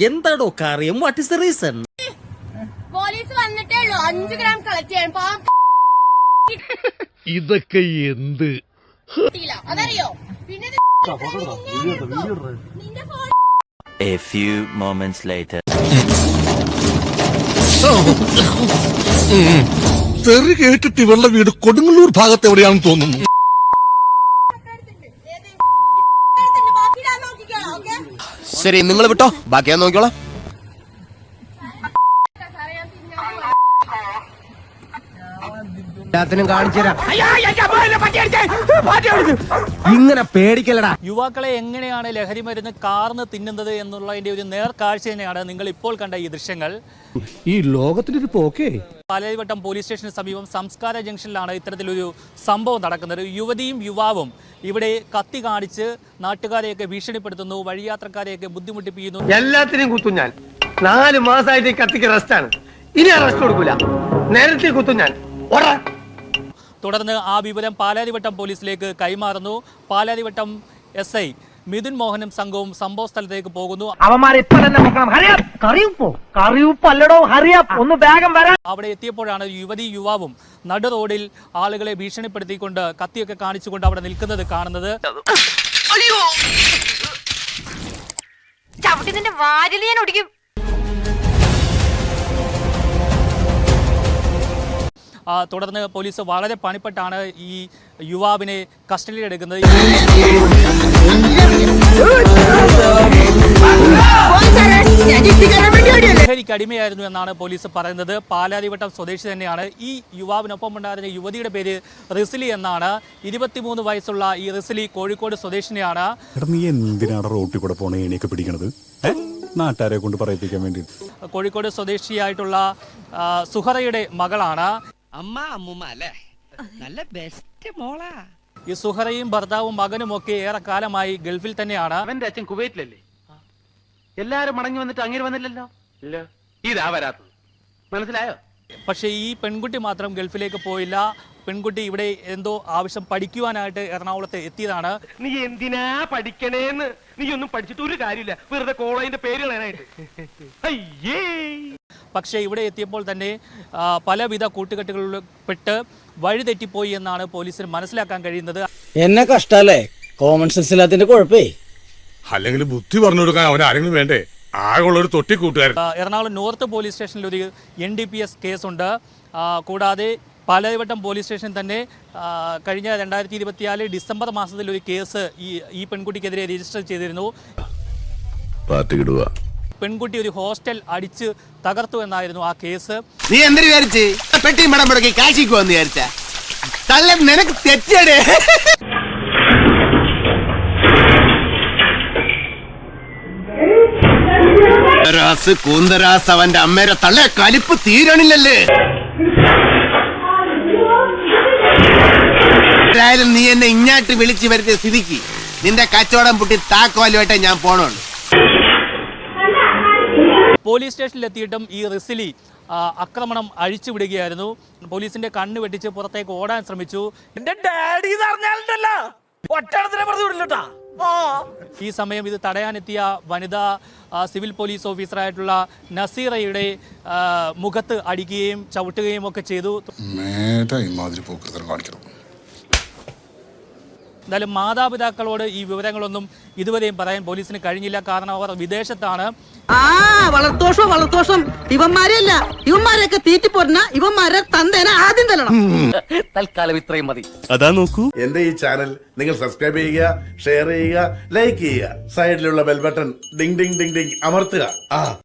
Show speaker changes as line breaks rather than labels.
എന്താടോ കാര്യം? What is the reason?
Police വന്നിട്ടേ ഉള്ളൂ 5 ഗ്രാം കളക്ട് ചെയ്യാൻ.
ഇതൊക്കെ എന്ത്
അതറിയോ? പിന്നെ
A few moments later.
തെറി കേട്ടിട്ട് ഇവളുടെ വീട് കൊടുങ്ങല്ലൂർ ഭാഗത്ത് എവിടെയാണെന്ന് തോന്നുന്നു.
ശരി, നിങ്ങൾ വിട്ടോ, ബാക്കി ഞാൻ നോക്കിക്കോളാം. ഇങ്ങനെ പേടിക്കലടാ.
യുവാക്കളെ എങ്ങനെയാണ് ലഹരി മരുന്ന് കാർന്ന് തിന്നുന്നത് എന്നുള്ളതിന്റെ ഒരു നേർക്കാഴ്ച തന്നെയാണ് നിങ്ങൾ ഇപ്പോൾ കണ്ട ഈ ദൃശ്യങ്ങൾ.
ഈ ലോകത്തിനൊരു പോക്കേ.
പാലാരിവട്ടം പോലീസ് സ്റ്റേഷന് സമീപം സംസ്കാര ജംഗ്ഷനിലാണ് ഇത്തരത്തിലൊരു സംഭവം നടക്കുന്നത്. യുവതിയും യുവാവും ഇവിടെ കത്തി കാണിച്ച് നാട്ടുകാരെയൊക്കെ ഭീഷണിപ്പെടുത്തുന്നു, വഴിയാത്രക്കാരെയൊക്കെ ബുദ്ധിമുട്ടിപ്പിക്കുന്നു.
എല്ലാത്തിനെയും കുത്തും ഞാൻ. 4 മാസമായിട്ട് കത്തിക്ക് റെസ്റ്റാണ്. ഇനി അറസ്റ്റ് കൊടുക്കൂല. നേരത്തെ കുത്തും ഞാൻ.
തുടർന്ന് ആ വിവരം പാലാരിവട്ടം പോലീസിലേക്ക് കൈമാറുന്നു. പാലാരിവട്ടം SI മിഥുൻ മോഹനും സംഘവും സംഭവ സ്ഥലത്തേക്ക് പോകുന്നു. അവിടെ എത്തിയപ്പോഴാണ് യുവതി യുവാവും നടു റോഡിൽ ആളുകളെ ഭീഷണിപ്പെടുത്തിക്കൊണ്ട് കത്തിയൊക്കെ കാണിച്ചുകൊണ്ട് അവിടെ നിൽക്കുന്നത് കാണുന്നത്. തുടർന്ന് പോലീസ് വളരെ പണിപ്പെട്ടാണ് ഈ യുവാവിനെ കസ്റ്റഡിയിലെടുക്കുന്നത്. ലഹരിക്ക് അടിമയായിരുന്നു എന്നാണ് പോലീസ് പറയുന്നത്. പാലാരിവട്ടം സ്വദേശി തന്നെയാണ്. ഈ യുവാവിനൊപ്പം ഉണ്ടായിരുന്ന യുവതിയുടെ പേര് റിസ്ലി എന്നാണ്. 23 വയസ്സുള്ള ഈ റിസ്ലി കോഴിക്കോട് സ്വദേശിനിയാണ്.
നീ എന്തിനാണ് റോട്ടിൽ കൂടെ പോണേ എണീക്കെ പിടിക്കണത്? നാട്ടുകാരെ കൊണ്ട് പറയിപ്പിക്കാൻ വേണ്ടി.
കോഴിക്കോട് സ്വദേശിയായിട്ടുള്ള സുഹറയുടെ മകളാണ്. ഈ സുഹറയും ഭർത്താവും മകനും ഒക്കെ ഏറെ കാലമായി ഗൾഫിൽ തന്നെയാണ്.
അവന്റെ അച്ഛൻ കുവൈറ്റിലല്ലേ? എല്ലാരും മടങ്ങി വന്നിട്ട് അങ്ങനെ വന്നില്ലല്ലോ. ഇല്ല, ഇതാ വരാത്തത്. മനസ്സിലായോ?
പക്ഷേ ഈ പെൺകുട്ടി മാത്രം ഗൾഫിലേക്ക് പോയില്ല. പെൺകുട്ടി ഇവിടെ എന്തോ ആവശ്യം പഠിക്കുവാനായിട്ട് എറണാകുളത്ത് എത്തിയതാണ്.
നീ എന്തിനാ പഠിക്കണേന്ന്? നീ ഒന്നും പഠിച്ചിട്ട് ഒരു കാര്യമില്ല, വെറുതെ കോളേജിന്റെ പേര് കളയാനായിട്ട്. അയ്യേ.
പക്ഷേ ഇവിടെ എത്തിയപ്പോൾ തന്നെ പലവിധ കൂട്ടുകെട്ടുകളിൽ പെട്ട് വഴിതെറ്റിപ്പോയി എന്നാണ് പോലീസിന് മനസ്സിലാക്കാൻ കഴിയുന്നത്.
എന്നെ കഷ്ടല്ലേ, കോമൺ സെൻസ് ഇല്ലാത്തതിന്റെ കുഴപ്പേ.
അല്ലെങ്കിൽ ബുദ്ധി പറഞ്ഞു കൊടുക്കാൻ അവൻ ആരെങ്കിലും വേണ്ടേ? ആകെയുള്ളൊരു തൊട്ടി കൂട്ടുകാരൻ.
എറണാകുളം നോർത്ത് പോലീസ് സ്റ്റേഷനിൽ ഒരു NDPS കേസുണ്ട്. കൂടാതെ പാലാരിവട്ടം പോലീസ് സ്റ്റേഷൻ തന്നെ കഴിഞ്ഞ 2024 ഡിസംബർ മാസത്തിൽ ഒരു കേസ് ഈ പെൺകുട്ടിക്കെതിരെ രജിസ്റ്റർ ചെയ്തിരുന്നു. പെൺകുട്ടി ഒരു ഹോസ്റ്റൽ അടിച്ച് തകർത്തു എന്നായിരുന്നു ആ കേസ്.
നീ എന്തിനു വിചാരിച്ച് പെട്ടി മടം മുടക്കി കാശിക്കുവന്ന് വിചാരിച്ച? തള്ളൻ നിനക്ക് തെറ്റടേ. കൂന്തരാസ് അവന്റെ അമ്മേരെ തള്ളെ കലിപ്പ് തീരണില്ലല്ലേ. ആയാലും നീ എന്നെ ഇങ്ങാട്ട് വിളിച്ചു വരുത്തിയ സ്ഥിതിക്ക് നിന്റെ കച്ചവടം പൊട്ടി താക്കോലുമായിട്ടേ ഞാൻ പോണുള്ളൂ.
പോലീസ് സ്റ്റേഷനിലെത്തിയിട്ടും ഈ റിസ്ലി ആക്രമണം അഴിച്ചുവിടുകയായിരുന്നു. പോലീസിന്റെ കണ്ണ് വെട്ടിച്ച് പുറത്തേക്ക് ഓടാൻ ശ്രമിച്ചു. ഈ സമയം ഇത് തടയാനെത്തിയ വനിതാ സിവിൽ പോലീസ് ഓഫീസറായിട്ടുള്ള നസീറയുടെ മുഖത്ത് അടിക്കുകയും ചവിട്ടുകയും ഒക്കെ ചെയ്തു. എന്തായാലും മാതാപിതാക്കളോട് ഈ വിവരങ്ങളൊന്നും ഇതുവരെയും പറയാൻ പോലീസിന് കഴിഞ്ഞില്ല. കാരണം അവർ വിദേശത്താണ്.
വളർത്തോഷം ഇവന്മാരെയല്ല, ഇവന്മാരെയൊക്കെ തീറ്റിപ്പോരുന്ന ഇവന്മാരെ തന്തേനെ ആദ്യം തരണം.
തൽക്കാലം ഇത്രയും മതി.
അതാ നോക്കൂ.
എന്റെ ഈ ചാനൽ നിങ്ങൾ സബ്സ്ക്രൈബ് ചെയ്യുക, ഷെയർ ചെയ്യുക, ലൈക്ക് ചെയ്യുക. സൈഡിലുള്ള bell button ding ding ding ding അമർത്തുക.